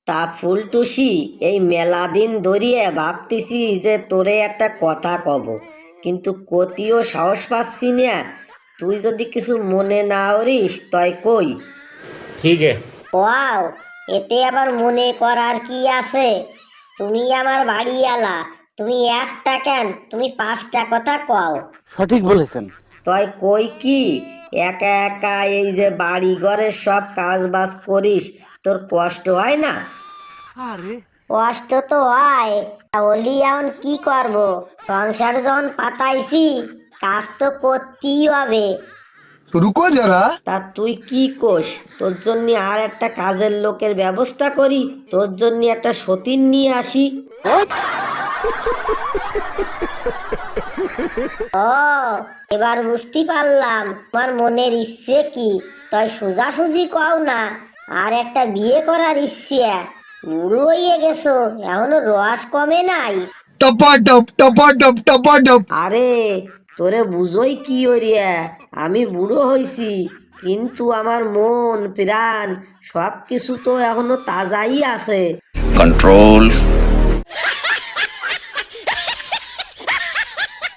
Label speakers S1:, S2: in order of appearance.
S1: তা ফুলটুসি, এই মেলা দিন ধরিয়ে ভাবতেছি যে তোরে একটা কথা কব, কিন্তু কতিও সাহস পাচ্ছি না। তুই যদি কিছু মনে না করিস তয় কই।
S2: ठीक है।
S3: ওয়াও, এতে আবার মনে করার কি আছে? তুমি আমার বাড়িওয়ালা, তুমি একটা কেন, তুমি 5টা কথা কও।
S4: সঠিক বলেছেন।
S1: তয় কই কি, একা একা এই যে বাড়ি ঘরের সব কাজ বাজ করিস, তোর কষ্ট হয় না?
S3: কষ্ট তো হয়, তা ওলি এখন কি করব? সংসার যখন পাতাইছি, কাজ তো করতেই হবে।
S5: रुको जरा।
S1: তা তুই কি কোস, তোর জন্য আর একটা কাজের লোকের ব্যবস্থা করি, তোর জন্য একটা সতীন নিয়ে আসি।
S3: ও, এবার বুঝতে পারলাম তোমার মনের ইচ্ছে কি। তাই সোজাসুজি কও না, আর একটা বিয়ে করার ইচ্ছে। বুড়ো হয়ে গেছো, এখনো রস কমে নাই।
S5: टपाटप टपाटप टपाटप।
S1: আরে তোরে বুঝোই কি ওরিয়া, আমি বুড়ো হইছি, কিন্তু আমার মন প্রাণ সব কিছু তো এখনো তাজাই আছে।
S6: control